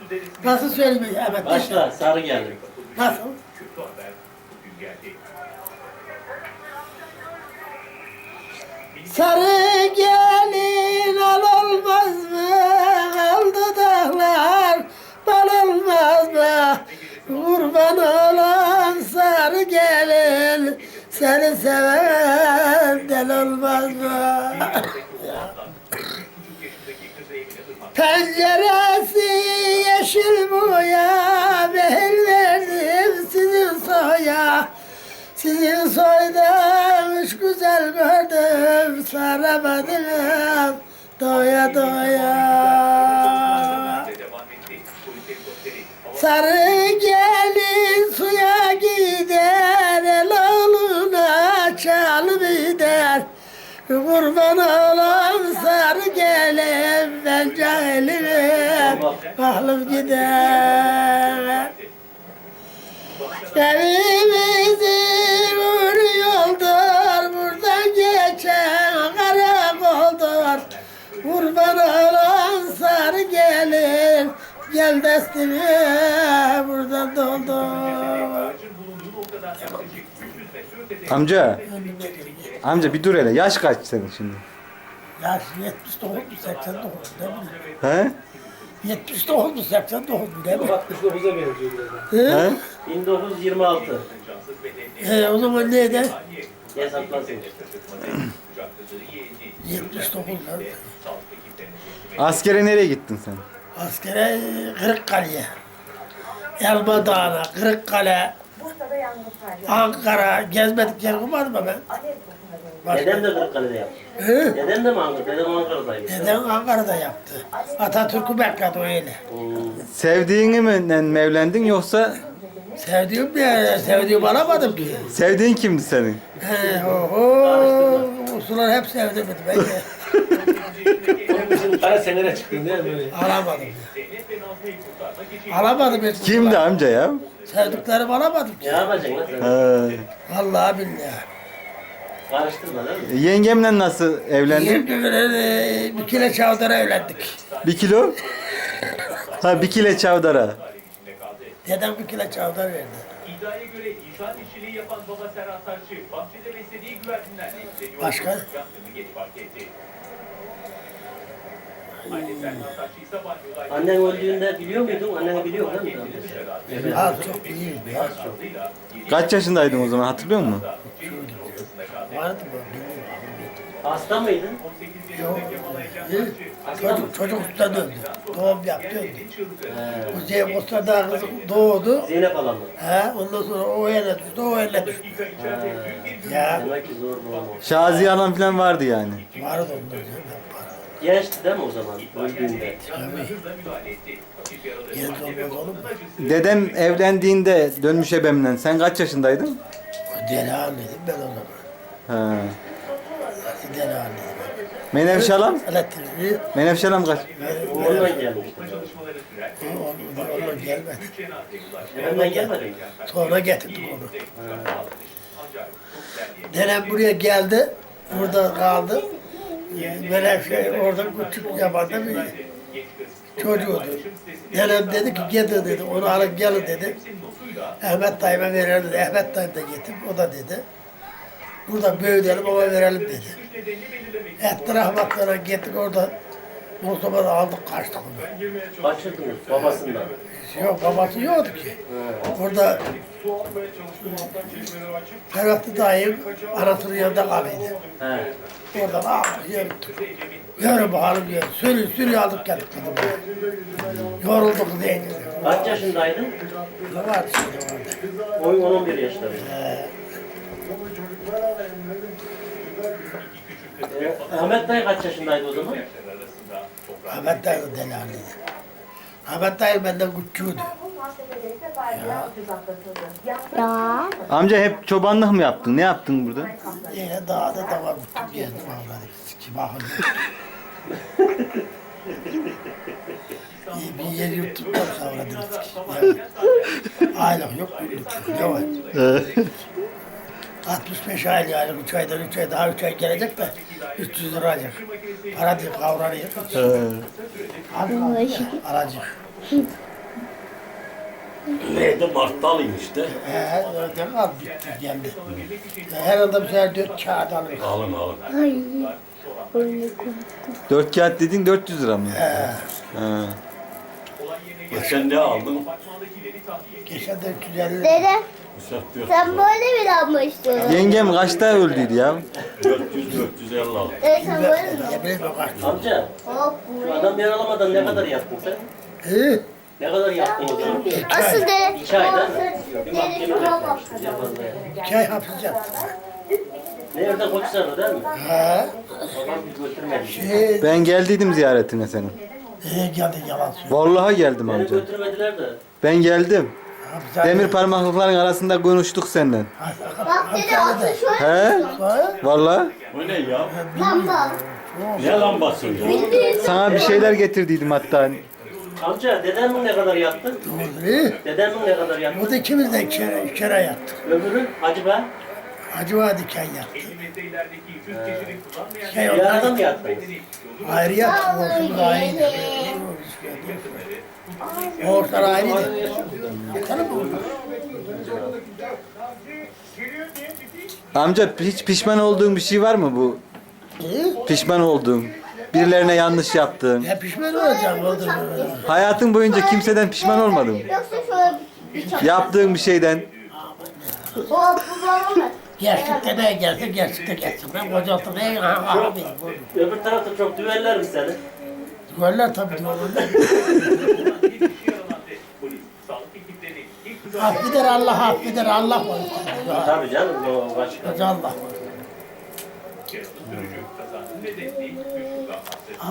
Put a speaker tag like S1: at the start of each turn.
S1: Nasıl söyleyeyim? Evet.
S2: Başla, sarı geldi.
S1: Nasıl? Sarı gelin al olmaz mı? Aldı dağlar bal olmaz mı? Kurban olan sarı gelin seni seven del olmaz mı? Penceresi yeşil boya, behir verdim sizin soya. Sizin soydan üç güzel gördüm, saramadım doya doya. Sarı gelin suya gider, el oğluna çalıp gider. Kurban olan sarı gelin, ben cahilim, kahrım gider. Evimizi vuruyordur, buradan geçen karakoldur. Kurban olan sarı gelin, gel destine buradan doldur.
S3: Amca bir dur hele. Yaş kaç senin şimdi?
S1: Yaş 79 mu 89 mu ne bileyim.
S3: He?
S1: 79 mu 89 mu ne bileyim.
S2: 69'a benziyor biraz.
S3: He?
S2: 1926.
S1: O zaman neydi?
S2: Hesaplasın.
S1: 79 lan.
S3: Askere nereye gittin sen?
S1: Askere Kırıkkale'ye. Elma Dağı'na, Kırıkkale, Ankara, gezmedik yer olmadı mı ben?
S2: Dedem de Kırıkkale'de yaptı.
S1: Hı?
S2: Dedem de mi Ankara'da? Dedem Ankara'daydı.
S1: Dedem Ankara'da yaptı. Atatürk'ü bekledi öyle.
S3: Sevdiğini mi evlendin yoksa
S1: Sevdiğim alamadım ki.
S3: sevdiğin kimdi senin?
S1: Usular hep sevdim ben de.
S2: Bizim kara senere çıktın değil mi?
S1: Alamadım. Alamadım hiç.
S3: Kimdi amca ya?
S1: Sevdiklerimi alamadım
S2: Ne
S1: ki.
S2: yapacaksın lan sen?
S3: He.
S1: Vallahi billahi.
S2: Karıştırma değil mi?
S3: Yengemle nasıl evlendin?
S1: Şimdi bir kilo çavdara evlendik.
S3: 1 kilo? Ha 1 kilo çavdara.
S1: Dedem bir kilo çavdar verdi.
S4: İddiaya göre inşaat işçiliği yapan baba Serhat Taşçı, bahçede beslediği güvercinlerle ilgileniyor.
S1: Başka?
S4: Yangını geç fark etti. Anne Serhat Taşçı ise banyoda...
S2: Annen öldüğünde biliyor muydun? Annen biliyor değil mi? Evet.
S1: Az çok iyi, az çok.
S3: Kaç yaşındaydın o zaman hatırlıyor musun?
S1: Vardı mı? Bilmiyorum.
S2: Hasta mıydın?
S1: Yok. Çocuk usta döndü. Doğum yaptı öldü. Bu Zeynep Usta'da kız doğdu.
S2: Zeynep Alan mı?
S1: Ondan sonra o ele düştü, o ele düştü. Ya
S2: Demek ki zor bu olmamış.
S3: Şaziye Hanım falan vardı yani.
S1: vardı ondan sonra.
S2: Gençti değil mi o zaman öldüğünde?
S1: Genç olmaz olur mu?
S3: Dedem evlendiğinde dönmüş ebemden sen kaç yaşındaydın?
S1: O deli haliydim ben o zaman.
S3: He.
S1: Nasıl deli haliydim?
S3: Menevşe Hanım?
S1: Elektriği
S3: Menevşe Hanım kaç?
S2: Oğlunla gelmişti.
S1: onunla gelmedi.
S2: Hemen gelmedi mi?
S1: Sonra getirdik onu. Dedem buraya geldi, burada kaldı. Menevşe orada küçük yabanda bir çocuğuydu. Dedem dedi ki gidin dedi, onu alıp gelin dedi. Ahmet dayıma verelim dedi. Ahmet dayım da getir, o da dedi. Burada büyütelim ama verelim dedi. Etti rahmatlara gittik orada. Mustafa'da aldık kaçtık onu.
S2: Kaçırdınız babasından.
S1: Yok babası yoktu ki. Orada Ferhatlı dayım anasının yanında kalıydı.
S2: He.
S1: Oradan aldık yürüttük. Yürü bakalım yürü. Sürü aldık geldik kızım. Yorulduk diye.
S2: Kaç yaşındaydın?
S1: Ne vardı şimdi orada?
S2: Oyun 11 yaşlarında. Ahmet dayı kaç yaşındaydı o zaman?
S1: Ahmet dayı da deli haliydi. Ahmet dayı benden küçüğüydü.
S5: Ya.
S3: Amca hep çobanlık mı yaptın? Ne yaptın burada?
S1: Yine dağda da var bütün gezdim avladık. Kim ahıl. Bir yer yuttuktan sonra dedik. Aylık yok, günlük yok. Ne var? 65 aylık aylık 3 aydan 3 ay daha 3 ay gelecek de 300 lira alacak. Para değil kavranıyor. Alacak.
S5: Neydi? Mart'talıyım işte.
S1: Öyle kaldı bitti geldi. Her anda bir sefer 4 kağıt alır.
S5: Alın alın.
S6: Ay.
S3: 4 kağıt dedin 400 lira mı? Ha.
S5: Geçen ne aldın?
S1: Geçen 450 lira.
S6: Dede
S5: Müsait
S6: sen böyle mi almıştın?
S3: Yengem kaçta öldüydü ya?
S5: 400-450 aldım.
S6: Evet sen böyle mi?
S1: Ne bileyim o kaç.
S2: Amca,
S6: Hop
S2: şu adam yaralamadan ne kadar yattın sen?
S1: He?
S2: Ne kadar yattın o zaman?
S6: Asıl dede.
S2: 2 ayda bir
S6: Dede
S2: mahkeme
S6: şuna bak.
S2: beklemiştir yapanlara.
S1: 2 ay hapis yattım.
S2: Nerede Koçhisar'da değil mi?
S1: Ha?
S2: Babam bir götürmedi.
S3: Ben geldiydim ziyaretine senin.
S1: Geldi yalan söylüyor.
S3: Vallahi geldim
S2: Beni
S3: amca.
S2: götürmediler de.
S3: Ben geldim.
S1: Hapishanede-
S3: Demir parmaklıkların arasında konuştuk senden.
S6: Bak dede asıl şöyle.
S3: He?
S1: Ha?
S3: Vallahi
S5: O ne ya?
S6: Lamba.
S5: Ne lambası ya?
S3: sana bir şeyler getirdiydim hatta.
S2: Amca, dedemin ne kadar yattı?
S1: He?
S2: Dedemin ne kadar yattı?
S1: Burada ikimiz de kere yattık.
S2: Öbürü Hacı be.
S1: Hacı Vadiken yattık.
S4: Elimizde ilerideki 100 kişilik kullanmayan
S1: Şey
S2: Bir arada
S1: onlar
S2: mı yattınız?
S1: ayrı yattık. Ortamız ayrıydı. Ortalar ayrıydı. Bakalım mı?
S3: Amca hiç pişman olduğun bir şey var mı bu?
S1: He?
S3: Pişman olduğun, birilerine yanlış yaptığın.
S1: Ya pişman olacağım oldu mu?
S3: Hayatın boyunca kimseden pişman olmadın mı?
S6: Yoksa şöyle bir çap.
S3: Yaptığın bir şeyden.
S6: Hop bu babam.
S1: Gerçekte ne gelse gerçekte gelsin. Ben kocaltım ne abi.
S2: Öbür tarafta çok düveller mi seni?
S1: Goller tabii diyorlar.
S4: polis, sağlık ekipleri ilk
S1: Affeder Allah affeder Allah var.
S2: Tabii canım, o başka.
S1: Allah var.
S4: sürücü kazanın nedeni düşük